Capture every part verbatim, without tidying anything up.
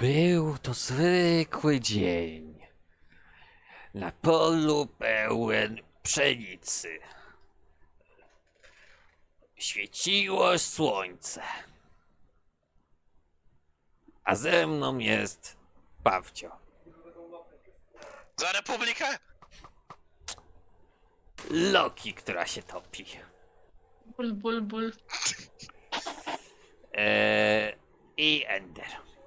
Był to zwykły dzień. Na polu pełen pszenicy. Świeciło słońce. A ze mną jest Pawcio. Za Republikę! Loki, która się topi. Ból, ból, ból. Eee, I Ender.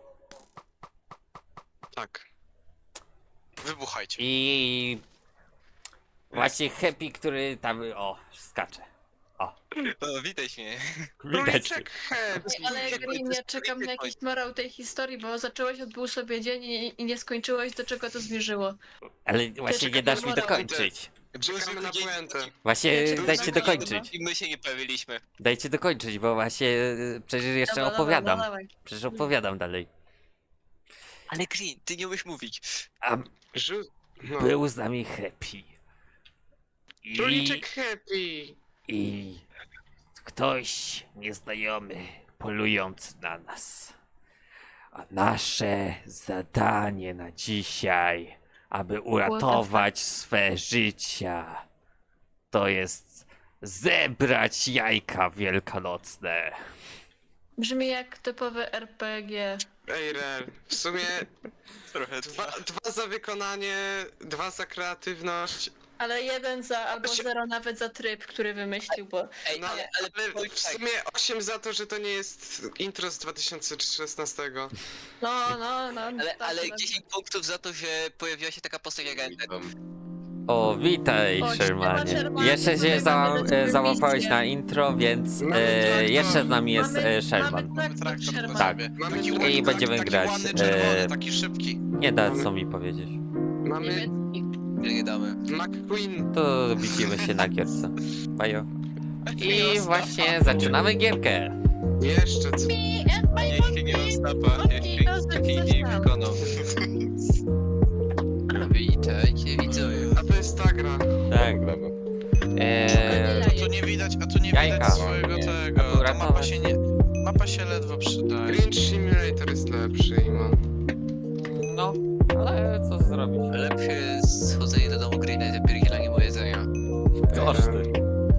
Tak. Wybuchajcie. I właśnie Happy, który tam, o, skacze. O, witaj mnie. Widać. Króliczek Happy. Ale Green, ja czekam na jakiś morał tej historii, bo zacząłeś, odbył sobie dzień i, i nie skończyłeś, do czego to zmierzyło. Ale właśnie czekam nie dasz na mi morał. dokończyć. Czekamy na puentę. Właśnie Ja czekam dajcie na dokończyć. I my się nie pojawiliśmy. Dajcie dokończyć, bo właśnie y, przecież jeszcze Dobra, opowiadam. Dobra, dawaj. Przecież opowiadam dalej. Ale Green, ty nie umiesz mówić. A Żu... No. był z nami Happy. I, Króliczek Happy. I ktoś nieznajomy polujący na nas. A nasze zadanie na dzisiaj, aby uratować swe życia, to jest zebrać jajka wielkanocne. Brzmi jak typowe R P G. Ej, Rel, w sumie Trochę dwa, dwa za wykonanie, dwa za kreatywność. Ale jeden za, albo się- zero nawet za tryb, który wymyślił, bo... Ej, No, ale, ale ale powiem w tak, sumie osiem za to, że to nie jest intro z dwa tysiące szesnastego. No, no, no. ale, tak, ale tak. dziesięć punktów za to, że pojawiła się taka postać jak Ender. O, witaj, O, Shermanie. siema, Shermanie, Jeszcze się tutaj za, mamy dla ciebie e, załapałeś misję. na intro, więc Mamy e, traktor. jeszcze z nami jest mamy, e, Sherman. Mamy traktor Sherman. Tak. Mamy I taki- będziemy taki grać, ładny, e, czerwony, taki szybki. Nie da co mi powiedzieć. Mamy Niemiecki. Ile nie damy. McQueen. To widzimy się na gierce. Bajo. I właśnie zaczynamy gierkę. Jeszcze co? Jeśli nie mam stapa, jeśli taki nie wykonał. Witajcie widzowie. A to jest ta gra. Tak. Eee, Jajek. Tu nie widać, a tu nie Jajka. widać swojego tego. Ta Uratować. mapa się nie. Mapa się ledwo przydaje. Green Simulator jest lepszy i ma. no, ale co zrobić? Lepsze jest schodzenie do domu Greena i zapierdzielanie mu jedzenia. Koszty.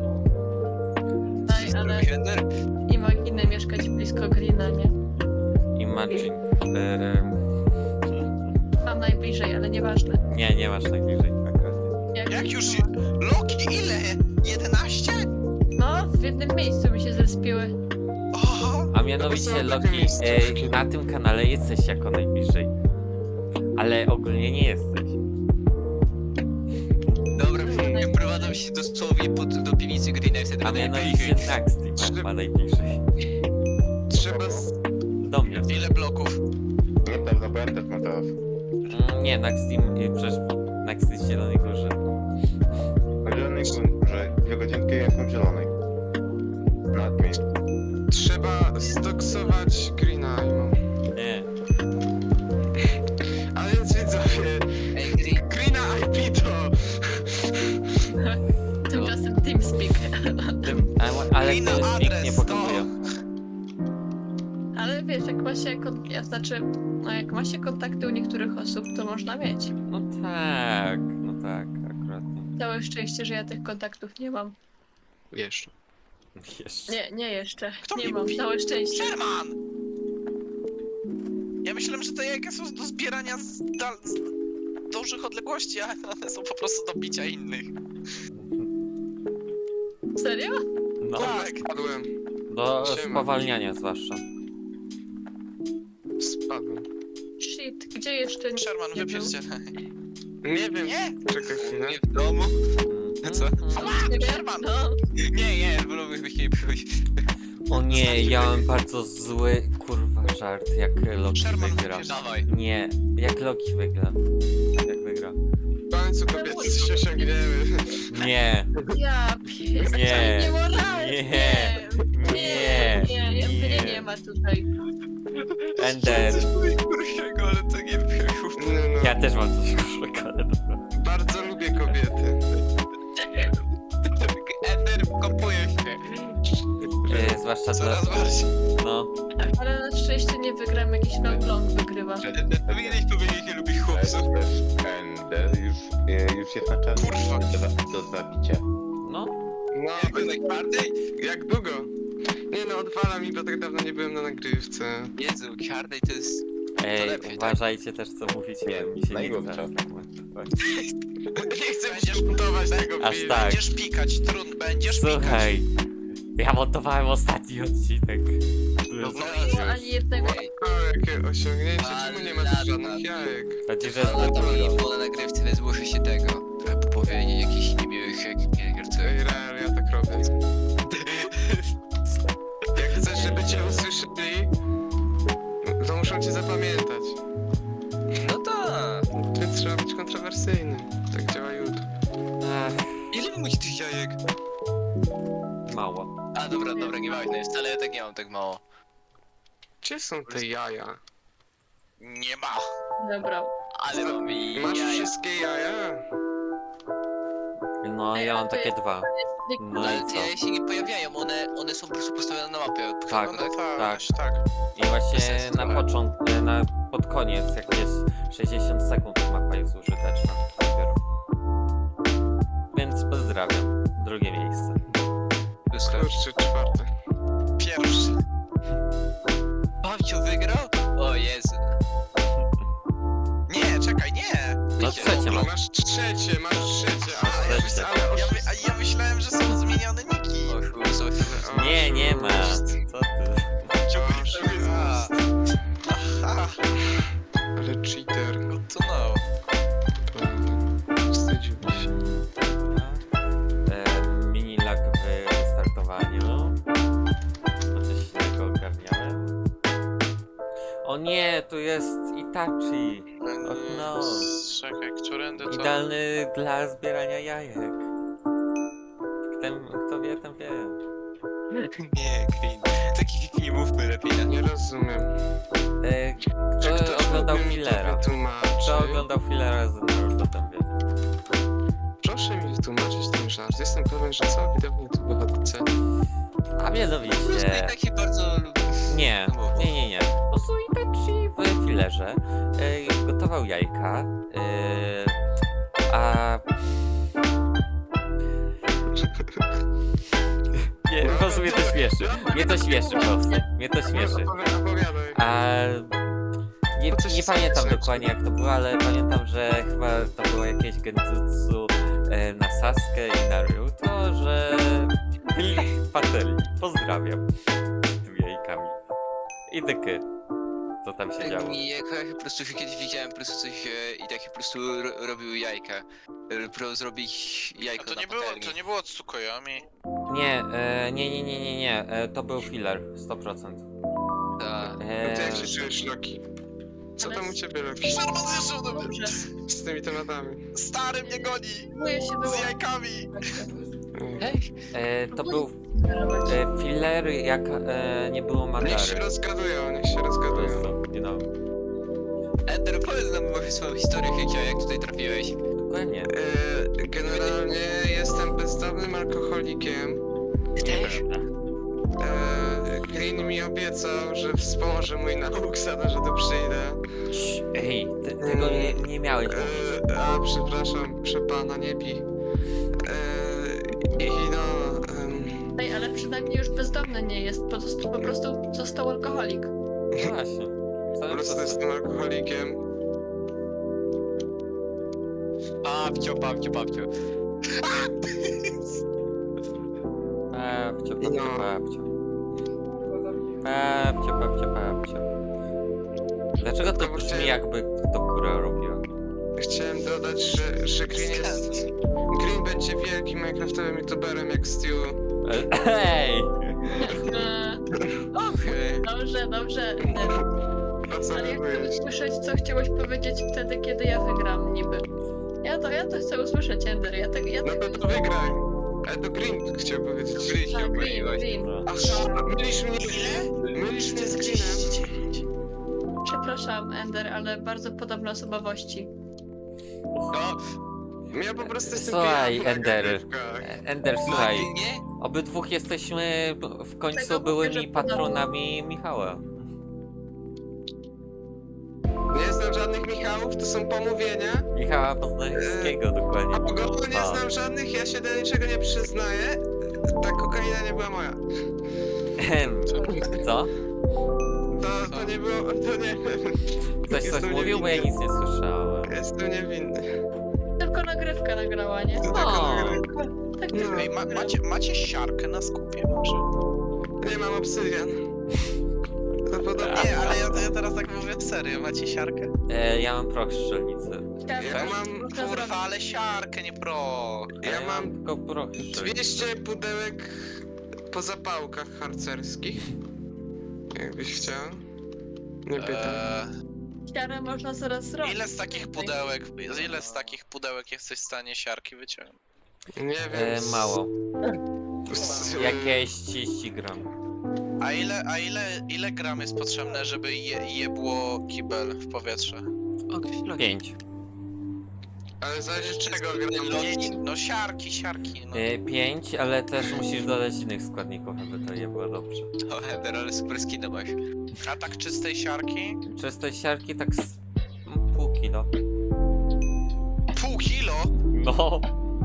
Ej, ale Ender? imaginy mieszkać blisko Greena, nie? Imagine. Eee, Tam najbliżej, ale nieważne. nie, nie masz najbliżej akurat. Jak już. Loki, ile? jedenaście? No, w jednym miejscu mi się zespiły. Oho! A mianowicie Loki, e, na tym kanale jesteś jako najbliżej. Ale ogólnie nie jesteś. Dobra, prowadzą się dosłownie pod, do piwnicy Greena i wtedy A będę mianowicie Naxteam ma najbliżej. Trzeba z... Do mnie. Ile bloków? Nieprawda, bo ja też mam teraz. Mm, Nie, Naxteam, y, przecież Naxt jest w Zielonej Górze. Na zielonej górze, dwie godzinki jestem w zielonej. Na admin. Trzeba zdoksować Greena i ma. Nie. A więc widzowie, Ej, Green, Greena I P to... Tymczasem TeamSpeak. Ale, ale I na to nikt nie adres, pokazuje. Ale wiesz, jak ma się, kon- ja znaczy, no jak ma się kontakty u niektórych osób, to można mieć. No tak, no tak, akurat. Całe szczęście, że ja tych kontaktów nie mam. Jeszcze. Jeszcze. Nie, nie jeszcze. Kto nie mi mam, mówi? całe szczęście. Sherman! Ja myślałem, że te jajka są do zbierania z, dal... z dużych odległości, ale one są po prostu do bicia innych. Serio? No, Tak. Spadłem. do Siema. spowalniania zwłaszcza. Spadłem. Shit, gdzie jeszcze nie Sherman, nie był? wypierzcie. Nie wiem. Nie! Czekaj chwilę. nie w domu. Co? Nie wiem, Sherman! no. Nie, nie, wolałbyś nie przyjść. O nie, ja mam bardzo zły kurwa żart, jak Loki Sherman, wygra. wypierz- Dawaj. Nie, jak Loki wygra. Jak wygra. W końcu kobiety coś osiągniemy. Nie, Ja pies, Nie. niemoralnie. Nie. Nie, nie, nie, Nie. mnie nie ma tutaj. Ender. Coś gorszego, ale to nie było. No, no. Ja też mam coś gorszego, ale dobra. Bardzo lubię kobiety. Ender, kopuje się. E, zwłaszcza dla... Coraz bardziej. No. Ale na szczęście nie wygram, jakiś long long wygrywa. Powinieneś powiedzieć, nie lubisz chłopców. Ender już, e, już jest na czas Kurwa. do, do zabicia. No. No, Jak to najbardziej? jak długo? Nie no, odwala mi, bo tak dawno nie byłem na nagrywce. Jezu, Hardej to jest... Ej, lepiej, tak? uważajcie też co mówicie, Nie, bo mi się nie najgorsze. chce. Nie chcę Będziesz- montować tego Aż filmu. tak. Będziesz pikać, trudno, będziesz pikać. Słuchaj, ja montowałem ostatni odcinek. No, Nie ma ani jednego. Ej, O, jakie osiągnięcie, czemu nie ma tu żadnych jajek? Chodzi, że ale to mi jest było na nagrywce, więc muszę się tego... Trochę popowiedzieć jakichś niemiłych gier, co... Ej, real, ja tak robię. Jak chcesz, żeby cię usłyszeli, to muszą cię zapamiętać. No tak. Ty trzeba być kontrowersyjny. Tak działa YouTube. Ach, Ile wy macie tych jajek? mało. A dobra, dobra, nie ważne jest, ale ja tak nie mam tak mało. Gdzie są te jaja? Nie ma. Dobra. Ale mam i Masz jaja. wszystkie jaja? No, ja mam takie dwa. No No ale i te co? jaja się nie pojawiają, one, one są po prostu postawione na mapie. Tak. No tak, tak. tak. I właśnie Bez sensu na trochę. początku, na pod koniec, jak jest sześćdziesiąt sekund, mapa jest użyteczna dopiero. Więc pozdrawiam. Drugie miejsce. Kurczę, czwarte. Pierwszy. Babciu wygrał? O Jezu. Nie, czekaj, nie. No trzecie mam. Masz trzecie, masz trzecie, ale, ja, Trzecie. mys- ale Ja, oszust- my, a ja myślałem, że są zmienione niki. O kurzu. Nie, nie ma. Co ty? oszust. A. Aha, Ale cheater. good to know. Wstydziłby się. E, mini lag w wystartowaniu. No coś innego ogarniałem. O nie, tu jest Itachi. Och no. Czekaj, którędy to... Idealny dla zbierania jajek. Ten, kto wie, ten wie. Nie, Green. Takich nie mówmy lepiej. Ja nie rozumiem. E, Czy kto ktoś oglądał mógłby mi to Fillera? wytłumaczyć? Kto oglądał Fillera z Naruto, ten wie. Proszę mi wytłumaczyć ten żart. Jestem pewien, że cała widownia YouTube wychodzi. A Po prostu i mianowicie... tak się bardzo lubię. Nie, nie, nie, nie. Po prostu Itachi w Fillerze e, gotował jajka, e, a... Nie, po prostu mnie to śmieszy. Mnie to śmieszy po prostu. Mnie to śmieszy. Opowi- Opowiadaj. A... Nie, Po co się nie pamiętam śmieszeć? dokładnie jak to było, ale pamiętam, że chyba to było jakieś genjutsu e, na Sasuke i Naruto, że byli pateli. Pozdrawiam. Z tymi jajkami. I tyky. Co tam się działo? I jak ja po prostu kiedyś widziałem po prostu coś e, i takie po prostu ro, robił jajka. E, Pro zrobić A jajko to na nie było, patelni. to nie było Tsukuyami. Nie, e, nie, nie, nie, nie, nie. E, to był filler, sto procent. Ta. No E, to jak się czujesz, Loki? Co tam u ciebie, Loki? Szarman zeszł do mnie. Dobrze. Z tymi tematami. Stary mnie goni. Próbuję się Z wyłączyć. jajkami. Hej, e, to był e, filler, jak e, nie było Niech się Madary. rozgadują, niech się Po rozgadują. prostu, you know. Ender, powiedz nam może swoją historię, Hecia, jak tutaj trafiłeś. Dokładnie. E, generalnie jestem bezdomnym alkoholikiem. Też? E, Green mi obiecał, że wspomoże mój nauk za to, że tu przyjdę. Cii, Ej, ty, tego nie, nie miałeś mówić. E, a przepraszam, proszę pana, nie bij. E, I no... em, Ej, ale przynajmniej już bezdomny nie jest, po prostu, po prostu został alkoholik. No właśnie. po Całe prostu proste. jestem alkoholikiem. Babcio, babcio, babcio. Babcio, babcio, No. babcio. Babcio, babcio, babcio. Dlaczego to To brzmi chciałem- jakby to kura robiła? Chciałem dodać, że, że Green jest... Green będzie wielkim minecraftowym youtuberem jak Stu. E, Hej! Eee, Okej. Dobrze, dobrze. O co Ale ja chcę mówiłeś? usłyszeć, co chciałeś powiedzieć wtedy, kiedy ja wygram niby. Ja to, ja to chcę usłyszeć, Ender. Ja tak, ja No tak... to, to wygraj. Ale to Green chciał powiedzieć. Green się A, green, pomyliłeś. green. No. Aha, mylisz mnie, mylisz mnie z Greenem. Przepraszam, Ender, ale bardzo podobne osobowości. No, Ja po prostu jestem Słuchaj, pijany na Ender. nagrywkach. E, Ender, no słuchaj. ty nie? Obydwóch jesteśmy w końcu Tego mówię, byłymi że podobno. patronami Michała. Nie znam żadnych Michałów, to są pomówienia. Michała Poznańskiego dokładnie. A pogodu nie A. znam żadnych, ja się do niczego nie przyznaję. Ta kokaina nie była moja. Ehem, Co? To, to nie było, to nie... Ktoś coś Jestem mówił, bo ja niewinny. nic nie słyszałem. Jestem niewinny. Tylko nagrywka nagrała, nie? To O. taka nagrywka. Tak, No. tak. Ej, ma, macie, macie siarkę na skupie może? Nie mam obsydian. To podobnie. Nie, ale ja, ja teraz tak mówię serio, macie siarkę? E, ja mam proch strzelnicy. Chciałam Ja tak, mam- można zrobić. Kurwa, ale siarkę, nie pro. A Ja mam tylko proch strzelnicy. dwieście pudełek po zapałkach harcerskich. Jakbyś chciał. Nie pytam. Eee, Siarę można zaraz zrobić. ile z takich pudełek, ile z takich pudełek jesteś w stanie siarki wyciągnąć? Nie E, wiem. mało. s- Jakieś trzydzieści gram. A ile, a ile, ile gram jest potrzebne, żeby je, jebło kibel w powietrze? Pięć. Ale zależy czego gram. No, no siarki, siarki, no. E, pięć, ale też musisz dodać innych składników, aby to nie było dobrze. O, Ender, ale super skina masz. A tak czystej siarki? Czystej siarki tak z mm, pół kilo. Pół kilo? No.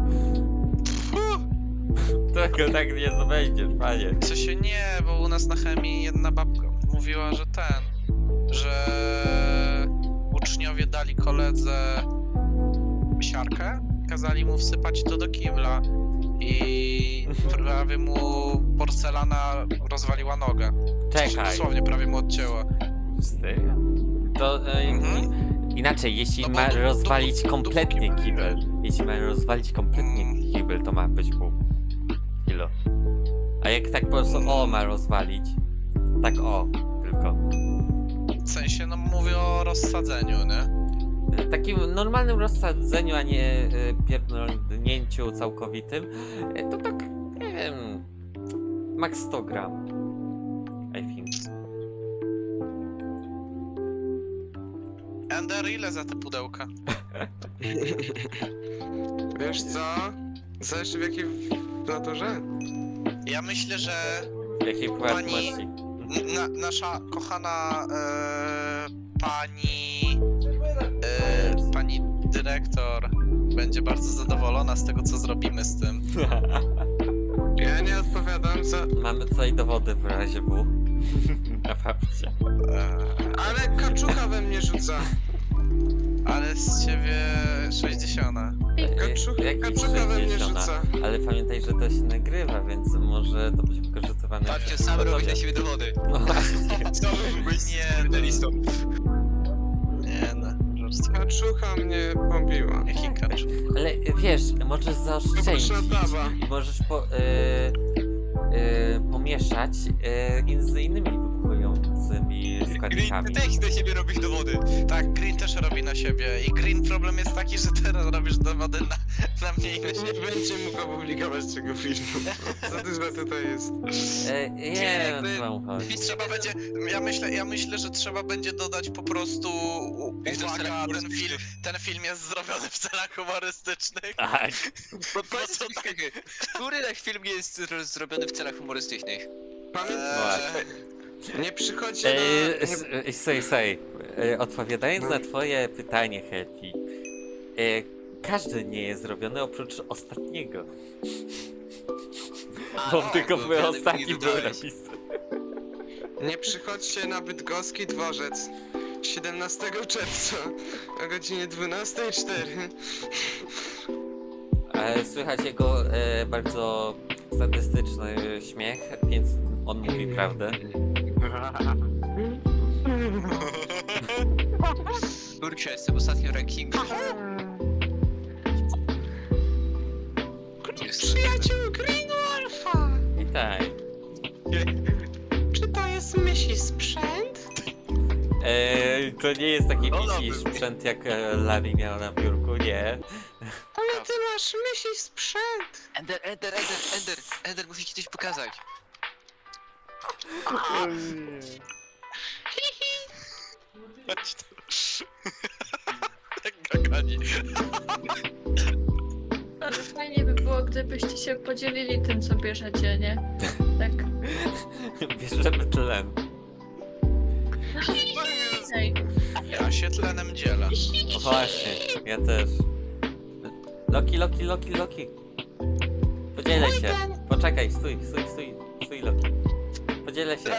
Tego tak nie zdobędziesz, panie. Co się nie, bo u nas na chemii jedna babka mówiła, że ten, że uczniowie dali koledze siarkę, kazali mu wsypać to do kibla i prawie mu porcelana rozwaliła nogę. Czekaj. Dosłownie prawie mu odcięła. Z tego? To e, Mhm. inaczej, jeśli No bo ma dopó- rozwalić dopó- kompletnie dopóki- kibel, jeśli ma rozwalić kompletnie Mm. kibel, to ma być pół kilo. A jak tak po prostu o ma rozwalić, tak o, tylko. W sensie, no mówię o rozsadzeniu, nie? W takim normalnym rozsadzeniu, a nie e, pierdolnięciu całkowitym, e, to tak, nie wiem, max sto gram. I think. Ender, ile za te pudełka? Wiesz co? Zależy w jakiej naturze. Ja myślę, że W jakiej Pani- płatności? Na, nasza kochana e, pani e, pani dyrektor będzie bardzo zadowolona z tego, co zrobimy z tym. Ja nie odpowiadam za... Mamy tutaj dowody w razie W. Na fakcie. E, Ale kaczucha we mnie rzuca. ale z ciebie sześćdziesiąta. Kaczucha, Jaki kaczucha we mnie sześćdziesiąt? rzuca. Ale pamiętaj, że to się nagrywa, więc może to być wykorzystywane. Patrzcie, w sam robisz podobie. na siebie dowody. No właśnie. Sam byłbyś Nie, journalistą. Nie no, żartuję. Kaczucha mnie pobiła. Jaki kaczu? Ale wiesz, możesz zaoszczędzić Poproszę i możesz po, y, y, pomieszać y, z innymi wybuchującymi Green, ty składnikami. też na siebie robisz dowody. Tak, Green też robi na siebie. I Green problem jest taki, że teraz robisz dowody na, na mnie i na Nie siebie. będzie mógł opublikować tego filmu. Za dużo tutaj jest. E, nie Nie, wiem, ty- co mam chodzić. Trzeba będzie, ja myślę, ja myślę, że trzeba będzie dodać po prostu, u- Wiesz, to w uwaga, celach ten film, humorystycznych. ten film jest zrobiony w celach humorystycznych. Tak. Bo powiedz mi, który film jest zro- zrobiony w celach humorystycznych? Pamiętaj, Eee, nie przychodźcie E, na... s- e, Sej, sej. E, Odpowiadając na twoje pytanie, Happy, e, każdy nie jest zrobiony oprócz ostatniego. A, Bo no, tylko bo był wiadomo, ostatni nie był dodałeś. napisany. Nie przychodźcie na Bydgoski Dworzec siedemnastego czerwca o godzinie dwunastej zero cztery. E, Słychać jego e, bardzo statystyczny śmiech, więc on mówi prawdę. Kurczę, jestem ostatnio w rankingu. Przyjaciół Green Wolfa! Witaj. Czy to jest myśli sprzęt? E, to nie jest taki No wisi dobry. sprzęt jak e, Larry miał na biurku, nie. Ale ty masz myśli sprzęt! Ender, Ender, Ender, Ender, Ender, muszę ci coś pokazać. chodź tu. Jak gagani. Ale fajnie by było, gdybyście się podzielili tym, co bierzecie, nie? Tak. Bierzemy tlen. Hej. Ja się tlenem dzielę. O właśnie, ja też. Loki, Loki, Loki, Loki. Podzielę się. Poczekaj, stój, stój, stój, stój, Loki. Podzielę się.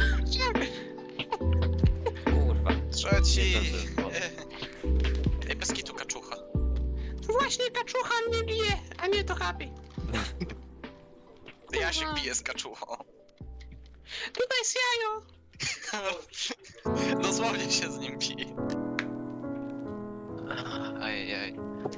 Kurwa. Trzeci. Nie zdążyłem. Ej, bez kitu kaczucha. Właśnie kaczucha mnie bije, a nie to happy. Ja się biję z kaczuchą. Tutaj jest jajo. Dosłownie się z nim bije. Ajajaj.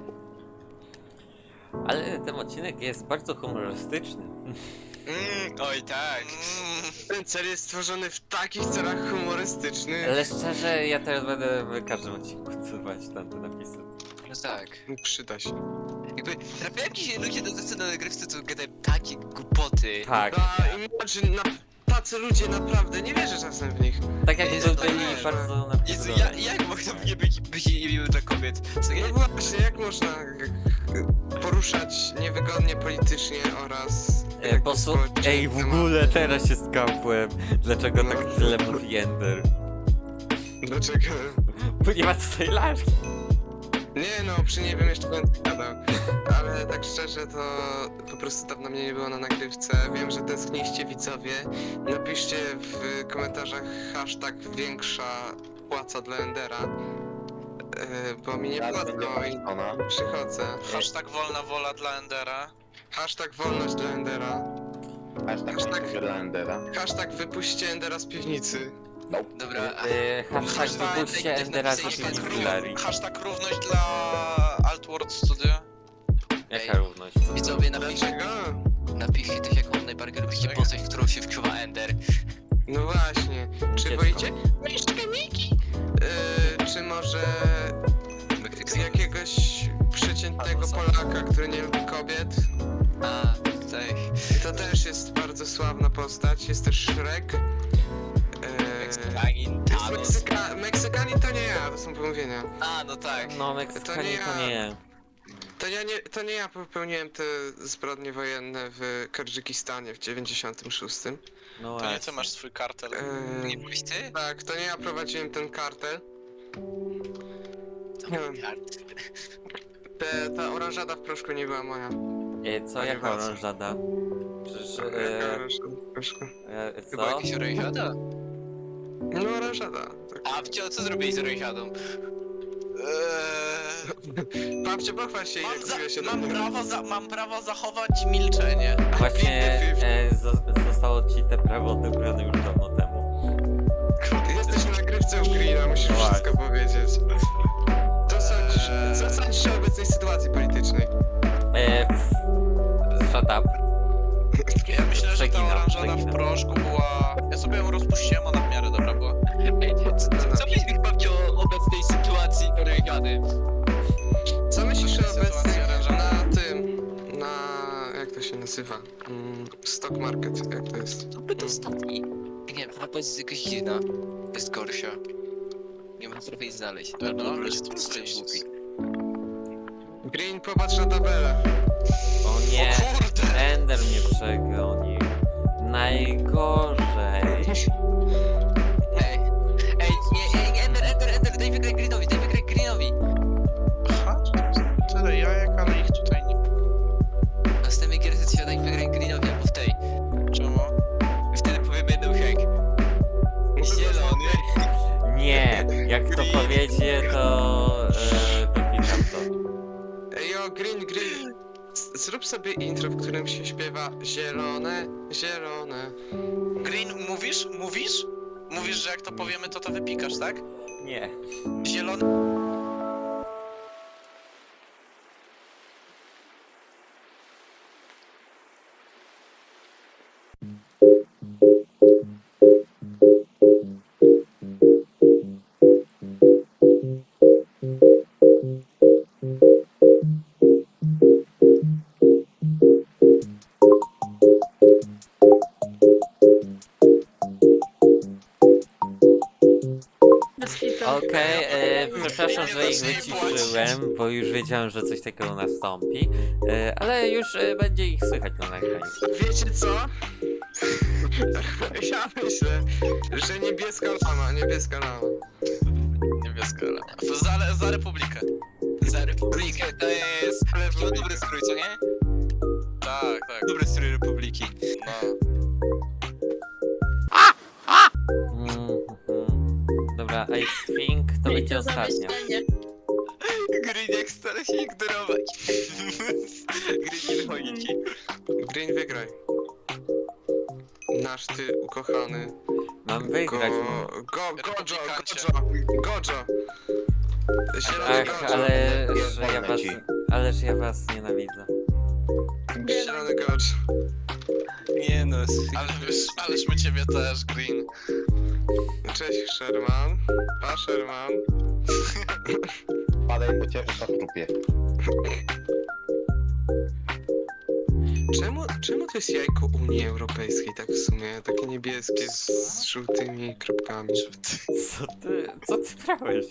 Ale ten odcinek jest bardzo humorystyczny. Mm, oj tak. Mm, Ten cel jest stworzony w takich celach humorystycznych. Ale szczerze, ja teraz będę w każdym odcinku odsuwać tamte napisy. No tak. Przyda się. Jakby trafiają ci się ludzie do tacy na nagrywce, co gadają takie głupoty. Tak, A, imagine, na, tacy ludzie naprawdę, nie wierzę czasem w nich. tak jak Jezu, by byli nie, bardzo Jezu, ja, napisane. jak mogą nie być, być niemiły dla kobiet? Co ja? No właśnie, jak można e, poruszać niewygodnie politycznie oraz... E, jakby posu... społecznie Ej, w tematy? ogóle teraz się skapłem. Dlaczego No. tak tyle mówi Ender? Dlaczego? Bo nie ma tutaj lalki. Nie no, przy nie wiem, jeszcze będę gadał. Ale tak szczerze to po prostu dawno mnie nie było na nagrywce. Wiem, że tęskniliście widzowie. Napiszcie w komentarzach hashtag większa płaca dla Endera. E, bo mi nie Zaraz płacą będzie i ona. przychodzę. hashtag wolna wola dla Endera. Hashtag wolność dla Endera. Hashtag Hashtag- hashtag dla Endera. Hashtag wypuśćcie Endera z piwnicy. Dobra, a E, hashtag Hashtag wypuśćcie tak Endera z napisać piwnicy hashtag Larry. Hashtag równość dla Altworld Studio. Jaka równość? Co to? widzowie, napiszcie, Dlaczego? napiszcie też jaką najbardziej lubicie Czekaj. postać, w którą się wczuwa Ender. No właśnie. Czy Dziecko. wolicie? Mieszkaniki! Yy, czy może z jakiegoś przeciętnego Polaka, który nie lubi kobiet? A, tak. To też jest bardzo sławna postać. Jest też Shrek. Yy, Meksykanin, jest Thanos. Meksyka Meksykanin to nie ja, to są pomówienia. A, no tak. No, Meksykanie To to nie nie. To ja nie, to nie ja popełniłem te zbrodnie wojenne w Tadżykistanie w dziewięćdziesiątym szóstym. No To nie ty właśnie. masz swój kartel. Yy, Nie byłeś ty? tak, to nie ja prowadziłem ten kartel. To Nie mój wiem. kart. Te, ta oranżada w proszku nie była moja. E, co, Panie jaka Wacu. oranżada? Przecież... Jaka E, oranżada w proszku? e, Chyba co? jakaś orejsiada? No oranżada. Tak. A, wcio, co zrobiłeś z orejsiadą? Eee, Babcie, pochwal się, mam, jak za, mówię się do mam, mnie. prawo za, mam prawo zachować milczenie. Właśnie e, zo- zostało ci te prawo odebrane już dawno temu. Jesteś na nagrywce u Greena, musisz Właśnie. wszystko powiedzieć. Co sądzisz, co sądzisz o obecnej sytuacji politycznej? E, f- shut up. Ja myślę, że ta Przeginam, oranżada w przeginam. proszku była... Ja sobie ją rozpuściłem, ona w miarę dobra była. Ej, co, co, co myślisz, babcio, o obecnej sytuacji orejsiady? Co myślisz o Sytuacja obecnej oranżada. na tym, na... jak to się nazywa? Mm, stock market, jak to jest? To byt ostatni. Nie wiem, chyba jest jakaś dziwna. Jest gorsza. Nie mam trochę jej znaleźć. No, Albo no, jest to po prostu jest- głupi. Green, popatrz na tabelę. O nie, O kurde! Ender mnie przegonił. Najgorzej. Ej, ej, nie, ej, Ender, Ender, Ender, daj wygrać Greenowi, daj wygrać Greenowi. Aha, tyle jajek, ale ich tutaj nie... W następnej gierce trzeba dać wygrać Greenowi albo w tej. Czemu? I wtedy powiemy no hek. Zielony. Nie, jak to powiecie, to e, wypikam to. Ej, o, Green, Green. Z- Zrób sobie intro, w którym się śpiewa zielone, zielone. Green, mówisz? Mówisz? Mówisz, że jak to powiemy, to to wypikasz, tak? Nie. Zielony... Bez kitu. Okej, e, przepraszam, Nie że ich da się wyciszyłem, bo już wiedziałem, że coś takiego nastąpi, e, ale już e, będzie ich słychać na nagraniu. Wiecie co? Ja myślę, że niebieska lama, niebieska lama. Niebieska lama. Za, za Republikę. Za Republikę to jest... To dobry strój, co nie? Tak, tak. Dobry strój Republiki. No. Mm, mhm. Dobra, I think to Ej, będzie to ostatnia. zamyślenie. Green jak stara się ignorować. Green nie wychodzi ci. Green, wygraj. Nasz ty ukochany. Mam Go, wygrać. go, gojo, Republikancie. gojo, gojo. Zielony Ach, gojo. ale że ja Pierdolę was, ci. ależ ja was nienawidzę. Zielony gojo. Nie no, Ale wiesz, ależ my ciebie też, Green. Cześć Sherman. Pa Sherman. Padaj, bo cię na trupie. Czemu, czemu to jest jajko Unii Europejskiej tak w sumie? Takie niebieskie z, z żółtymi kropkami. Co ty, co ty brałeś?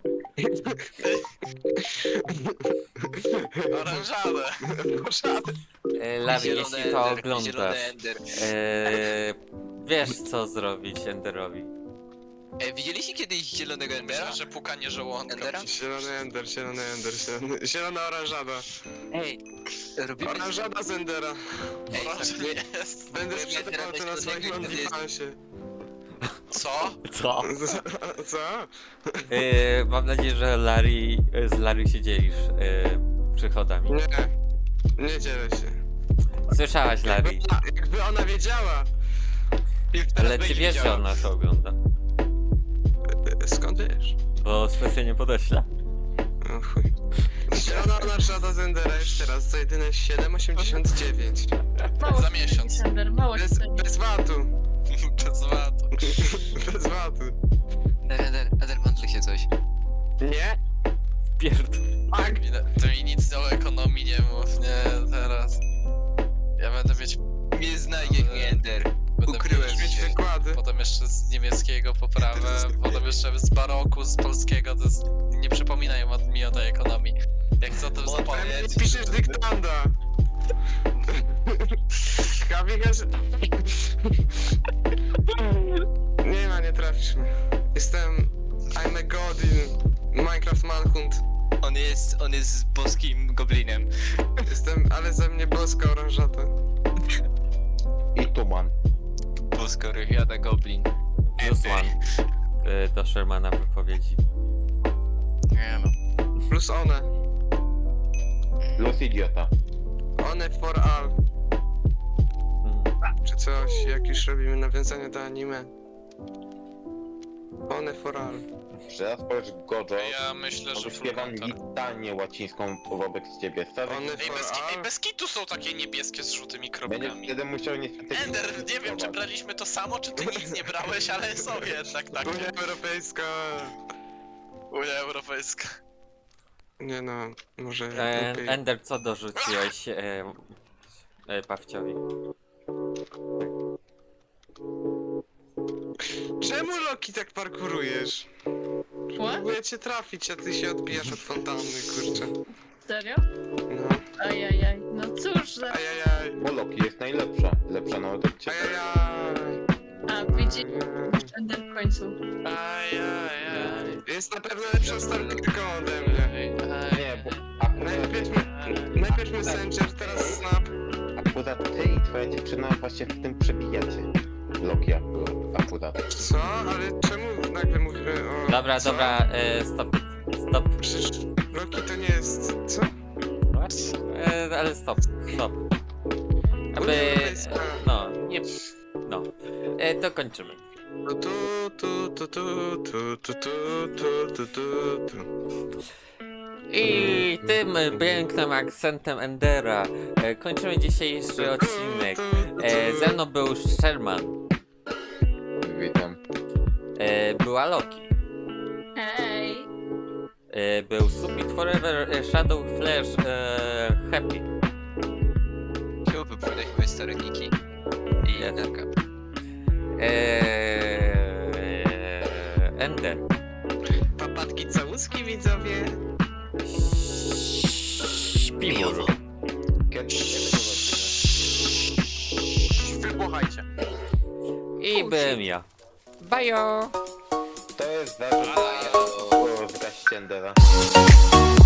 Oranżadę. Poszady. E, Larry, zielony jeśli to Ender, zielony oglądasz, Ender. e, wiesz co zrobić Enderowi. E, widzieliście kiedyś zielonego Endera? Myślę, że pukanie żołądka. Endera? Zielony ender, zielony ender, zielony, zielona oranżada. Ej, robimy... Oranżada z endera. Ej, Proszę, tak, nie jest. Będę Byłem ja sprzedawał teraz to na do swoim tego, to jest- OnlyFansie. Co? Co? Co? E, mam nadzieję, że Larry, z Larry się dzielisz e, przychodami. Nie. Nie dzielę się. Słyszałaś, Larry, Jakby, ona- jakby ona wiedziała. ale ty wiesz, że ona to ogląda, Skąd wiesz? bo specjalnie podeślę. O chuj. Zielona oranżada z endera jeszcze raz za jedyne siedem osiemdziesiąt dziewięć. Mało Za ci miesiąc. ceni, Sander, mało ci Bez, ceni. bez watu. Bez watu. Bez watu. Ender, Ender, Ender, mandli się coś. Nie? Pierd... Tak. Mi- Ty mi nic o ekonomii nie mów, nie, teraz. Ja będę mieć... Nie znajdzie mnie Ender. Będę Ukryłem Mieć mieć- wykłady. Potem jeszcze z niemieckiego poprawę, potem jeszcze z baroku, z polskiego, to jest... Nie przypominaj mi o tej ekonomii. Jak co to Nie zapomnieć? piszesz dyktanda. Kawikarz... Nie ma, nie trafisz mnie. Jestem... I'm a god in Minecraft Manhunt. On jest, on jest boskim goblinem. Jestem, ale ze mnie boska oranżata. I tuman. Bosko rywiada goblin. Plus one e, do Shermana wypowiedzi. Nie no. Plus one. Los idiota. One for all. Mm. Czy coś, jak już robimy nawiązanie do anime. One for all. Teraz powiesz Gojo, Ja myślę, że full wyśpiewam counter. litanię łacińską wobec ciebie. Stary, One Ej, for bez, ki- ej, all. bez kitu są takie niebieskie z żółtymi będziesz kropkami. wtedy musiał niestety... Ender, nie wiem czy braliśmy to samo, czy ty nic nie brałeś, ale są jednak takie. Unia Europejska. Unia Europejska. Nie no, może E, lepiej. Ender, co dorzuciłeś e, e, Pawciowi? Czemu Loki tak parkurujesz? What? Próbuję cię trafić, a ty się odbijasz od fontanny, kurczę. Serio? No. Ajajaj. No cóż za... Ajajaj. Bo Loki jest najlepsza. Lepsza nawet od ciebie. Ajajaj. A, widzi... Ender w końcu. Ajajaj. Jest na pewno lepszą starterką ode mnie. Nie, bo akurat, Najpierw my, najpierw Messenger, teraz Snap. akurat ty i twoja dziewczyna właśnie w tym przebijacie. Loki akurat. akurat. Co? Ale czemu nagle mówimy o... Dobra, co? dobra, e, stop, stop, Przecież Loki to nie jest... Co? e, ale stop, stop. Unia Aby, Europejska. no, nie, no, e, to kończymy. Tu, tu, tu, tu, tu, tu, tu, tu, tu, tu, tu. I tym pięknym akcentem Endera e, kończymy dzisiejszy odcinek. E, ze mną był Sherman, Witam. e, była Loki, Hej! e, był Submit Forever, e, Shadow Flash, e, Happy, Czemu wypowiadać moje stare niki? I Jest. Enderka. e, Ender. Papatki cały Buźbuski widzowie. Śpiwór. Kiedy, kiedy zobaczymy? Wybuchajcie. I byłem ja. Bajo! To jest wasze... O, zgaście Endera.